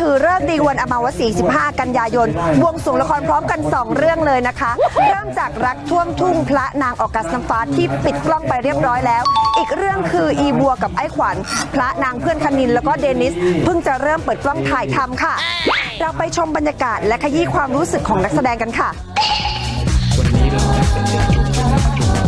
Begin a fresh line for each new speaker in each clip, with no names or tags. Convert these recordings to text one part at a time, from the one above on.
ถือฤกษ์ดีวันอมาวสี15 กันยายนบวงสรวงละครพร้อมกัน 2 เรื่องเลยนะคะเริ่มจากรักท่วมทุ่งพระนางออกัสน้ำฟ้าที่ปิดกล้องไปเรียบร้อยแล้วอีกเรื่องคืออีบัวกับไอ้ขวัญพระนางเพื่อนคณินแล้วก็เดนิสเพิ่งจะเริ่มเปิดกล้องถ่ายทำค่ะเราไปชมบรรยากาศและขยี้ความรู้สึกของนักแสดงกันค่ะ
วันนี้เราได้เป็นเด็กจุดจุดบรรดา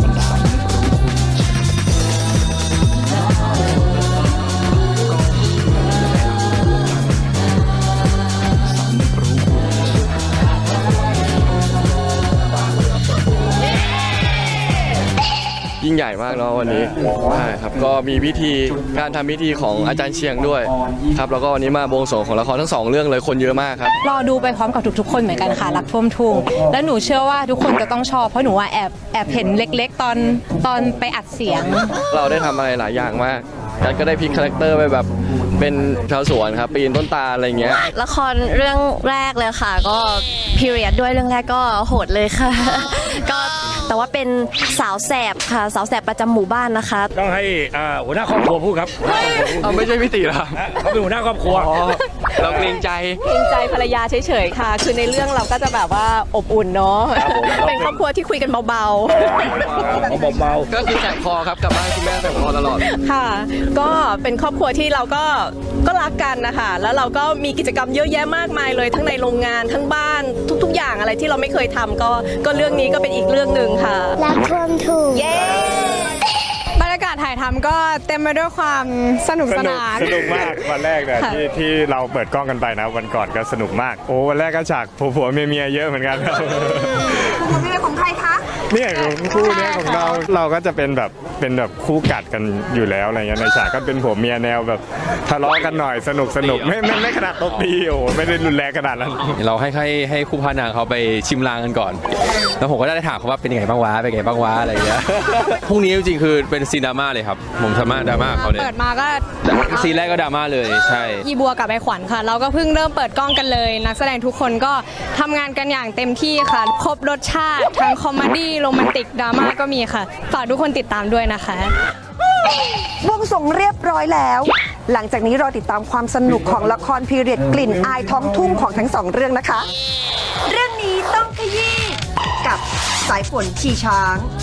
ยิ่งใหญ่มากเนาะวันนี้ใช่ครับก็มีพิธีการทำพิธีของอาจารย์เชียงด้วยครับแล้วก็วันนี้มาบวงสรวงของละครทั้ง2 เรื่องเลยคนเยอะมากครับ
รอดูไปพร้อมกับทุกๆคนเหมือนกันค่ะรักท่วมทุ่งแล้วหนูเชื่อว่าทุกคนจะต้องชอบเพราะหนูว่าแอบเห็นเล็กๆตอนไปอัดเสียง
เราได้ทำอะไรหลายอย่างมากกันก็ได้พลิกคาแรคเตอร์ไปแบบเป็นชาวสวนครับปีนต้นตาลอะไรเงี้ย
ละครเรื่องแรกเลยค่ะก็พีเรียดด้วยเรื่องแรกก็โหดเลยค่ะก็แต่ว่าเป็นสาวแสบค่ะสาวแสบประจำหมู่บ้านนะคะ
ต้องให้หัวหน้าครอบครัวพูดครับ
ไม่ใช่พิธีหรอ
เขาเป็นหัวหน้าครอบครัว
เราเกรงใจ
ภรรยาเฉยๆค่ะคือในเรื่องเราก็จะแบบว่าอบอุ่นเนาะเป็นครอบครัวที่คุยกันเบา
ๆก็คือแสบคอครับกลับบ้านคุณแม่แสบคอตลอด
ค่ะก็เป็นครอบครัวที่เราก็รักกันนะคะแล้วเราก็มีกิจกรรมเยอะแยะมากมายเลยทั้งในโรงงานทั้งบ้านทุกๆอย่างอะไรที่เราไม่เคยทำก็เรื่องนี้ก็เป็นอีกเรื่องหนึ่งค่ะ
รักท่วมทุ่ง
บรรยากาศถ่ายทำก็เต็มไปด้วยความสนุกสนาน
สนุกมากวันแรกเนี่ยที่เราเปิดกล้องกันไปนะวันก่อนก็สนุกมากโอ้วันแรกก็ฉากผัวเมียเยอะเหมือนกันครับ
ผัวเมียของใครคะ
เนี่ยคู่นี้ของเราก็จะเป็นแบบคู่กัดกันอยู่แล้วอะไรเงี้ยในฉากก็เป็นผัวเมียแนวแบบทะเลาะกันหน่อยสนุกไม่ขนาดตบตีโอ้ไม่ได้รุนแรงขนาดนั้น
เราให้คู่พระนางเขาไปชิมลางกันก่อนแล้วผมก็ได้ถามเขาว่าเป็นยังไงบ้างวะอะไรเงี้ยพรุ่งนี้จริงๆคือเป็นซีนดราม่าเลยครับผมสามารถดราม่าเขาเนี่ย
เปิดมาก็
ซีนแรกก็ดราม่าเลยใช่
ยีบัวกับไอ้ขวัญค่ะเราก็เพิ่งเริ่มเปิดกล้องกันเลยนักแสดงทุกคนก็ทำงานกันอย่างเต็มที่ค่ะครบรสชาติทั้งคอมเมดี้โรแมนติกดราม่าก็มีค่ะฝากทุกคนติดตามด้วยนะคะ
บวงสรวงเรียบร้อยแล้วหลังจากนี้รอติดตามความสนุกของละครพีเรียดกลิ่นอายท้องทุ่งของทั้ง2 เรื่องนะคะเรื่องนี้ต้องขยี้กับสายฝนชีช้าง